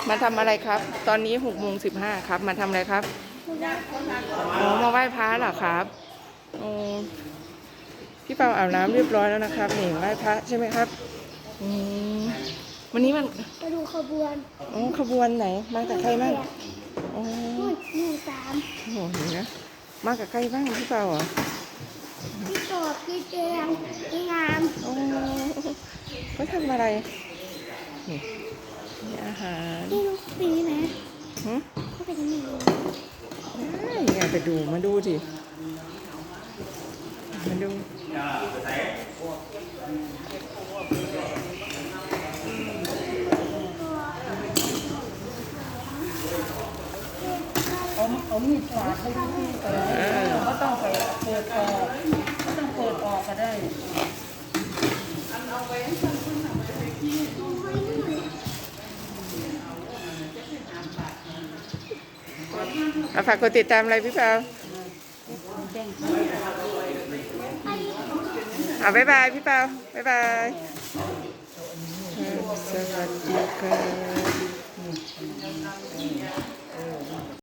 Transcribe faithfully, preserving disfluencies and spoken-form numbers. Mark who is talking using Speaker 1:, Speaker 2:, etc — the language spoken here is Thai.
Speaker 1: มาทำอะไรครับ ตอนนี้หกโมงสิบห้าครับ มาทำอะไรครับอ๋อมาไหว้พระเหรอครับโอ้พี่เปาอาบน้ำเรียบร้อยแล้วนะครับนี่ไหว้พระใช่ไหมครับอืมวันนี้มัน
Speaker 2: ไปดูขบวน
Speaker 1: อ๋อขบวนไหน มากับใครบ้างอ๋อ
Speaker 2: นู่นหนึ่งสาม
Speaker 1: โอ้โหเห็นนะมากับใครบ้างพี่เปาเหรอ
Speaker 2: พี่โตดพี่เจมพี่งาม
Speaker 1: โอ้เขาทำอะไรนี่มีอาหาร
Speaker 2: พี่ลูกปีไหม
Speaker 1: หึ
Speaker 2: เขาเป็นยังไง
Speaker 1: ได้ไงไปดูมาดูสิมาดู
Speaker 3: เอาเอามีดปาดให้พี่ไปก็ต้องไปเปิดออกก็ต้องเปิดออกก็ได้
Speaker 1: เอาฝากกดติดตามอะไรพี่เปาเอาบ๊ายบายพี่เปาบ๊ายบายเออสวัสดี